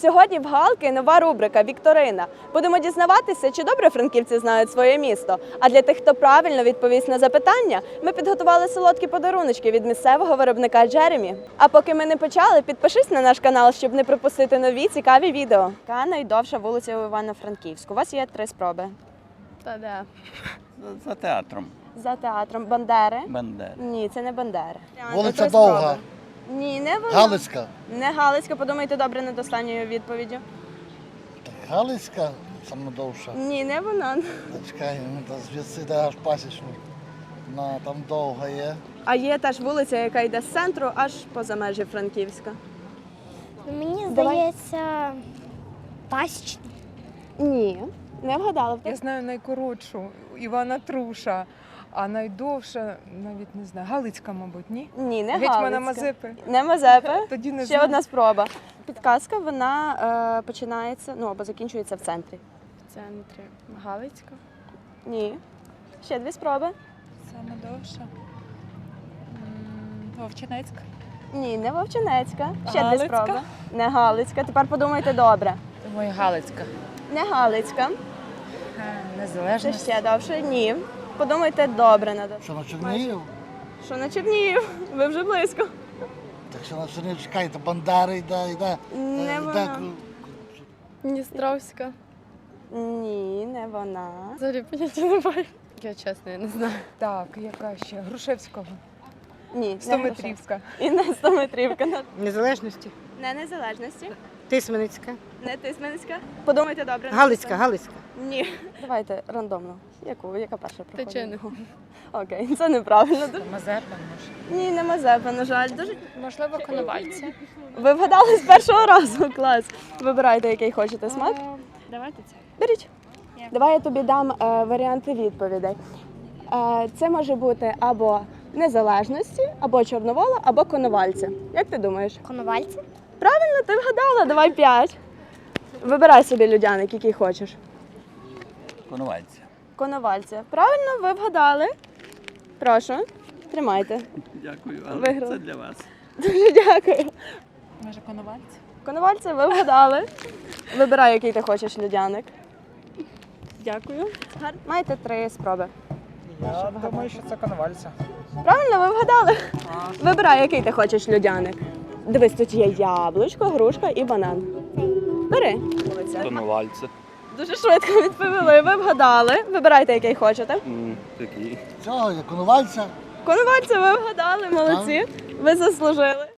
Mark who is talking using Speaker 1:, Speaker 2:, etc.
Speaker 1: Сьогодні в Галки нова рубрика «Вікторина». Будемо дізнаватися, чи добре франківці знають своє місто. А для тих, хто правильно відповість на запитання, ми підготували солодкі подаруночки від місцевого виробника Джеремі. А поки ми не почали, підпишись на наш канал, щоб не пропустити нові цікаві відео. Яка найдовша вулиця у Івано-Франківську? У вас є 3 спроби.
Speaker 2: Та де?
Speaker 3: За театром.
Speaker 1: За театром. Бандери?
Speaker 3: Бандери.
Speaker 1: Ні, це не Бандери.
Speaker 4: Вулиця
Speaker 1: 3
Speaker 4: Довга.
Speaker 1: спроби. Ні, не вона.
Speaker 4: Галицька.
Speaker 1: Не Галицька, подумайте добре над останньою відповіддю.
Speaker 4: Галицька саме довша.
Speaker 1: Ні, не вона.
Speaker 4: Чекай, та звідси йде аж пасічну. Там довга є.
Speaker 1: А є теж вулиця, яка йде з центру, аж поза межі Франківська.
Speaker 2: Мені
Speaker 1: Давай.
Speaker 2: здається, пасічна.
Speaker 1: Ні, не вгадала.
Speaker 5: Я знаю найкоротшу Івана Труша, а найдовша, навіть не знаю, Галицька, мабуть, ні?
Speaker 1: Ні, не
Speaker 5: Гетьмана
Speaker 1: Галицька.
Speaker 5: Мазепи.
Speaker 1: Не Мазепи.
Speaker 5: Тоді не
Speaker 1: Ще
Speaker 5: знаю.
Speaker 1: одна спроба. Підказка, вона починається, або закінчується в центрі.
Speaker 2: В центрі. Галицька.
Speaker 1: Ні. Ще 2 спроби.
Speaker 5: Саме довша. Вовчинецька.
Speaker 1: Ні, не Вовчинецька. Ще 2
Speaker 5: Галицька?
Speaker 1: спроби. Не Галицька. Тепер подумайте добре.
Speaker 5: Думаю, Галицька.
Speaker 1: Не Галицька. Це
Speaker 5: Незалежність.
Speaker 1: ще довше. Ні. Подумайте добре над.
Speaker 4: Що на Чернігів?
Speaker 1: Що на Чернігів? Ви вже близько.
Speaker 4: Так що на Чернігів, чекайте, Бандери йде.
Speaker 1: Не вона.
Speaker 2: Дністровська.
Speaker 1: Ні, не вона.
Speaker 2: Взагалі поняття немає. Я чесно, я не знаю.
Speaker 5: Так, яка ще? Грушевського.
Speaker 1: Ні, не
Speaker 5: 100-метрівська.
Speaker 1: І не 100-метрівка.
Speaker 6: Незалежності.
Speaker 1: Не Незалежності.
Speaker 6: Тисменицька.
Speaker 1: Не Тисменська. Подумайте добре.
Speaker 6: Галицька, Галицька.
Speaker 1: Ні. Давайте рандомно. Яка перша проходить?
Speaker 2: Тичини.
Speaker 1: Окей, це неправильно.
Speaker 5: Мазепа, може.
Speaker 1: Ні, не Мазепа, на жаль. Дуже...
Speaker 2: Можливо, Коновальці.
Speaker 1: Ви вгадали з першого разу, клас. Вибирайте, який хочете смак.
Speaker 2: Давайте це.
Speaker 1: Беріть. Давай я тобі дам варіанти відповідей. Це може бути або Незалежності, або Чорновола, або Коновальця. Як ти думаєш?
Speaker 2: Коновальці?
Speaker 1: Правильно, ти вгадала, давай 5. Вибирай собі людяник, який хочеш.
Speaker 3: Конувальця.
Speaker 1: Коновальця. Правильно, ви вгадали. Прошу, тримайте.
Speaker 3: Дякую, але
Speaker 1: Виграла.
Speaker 3: це для вас.
Speaker 1: Дуже дякую.
Speaker 5: Може, Коновальці?
Speaker 1: Коновальця, ви вгадали. Вибирай, який ти хочеш людяник. Дякую. Маєте 3 спроби.
Speaker 7: Я думаю, що це Коновальця.
Speaker 1: Правильно, ви вгадали. Вибирай, який ти хочеш людяник. Дивись, тут є яблучко, грушка і банан. Бери.
Speaker 3: Конувальця.
Speaker 1: Дуже швидко відповіли. Ви вгадали. Вибирайте, який хочете.
Speaker 3: Такий.
Speaker 4: Цього є Коновальця.
Speaker 1: Коновальця, ви вгадали, молодці. Ви заслужили.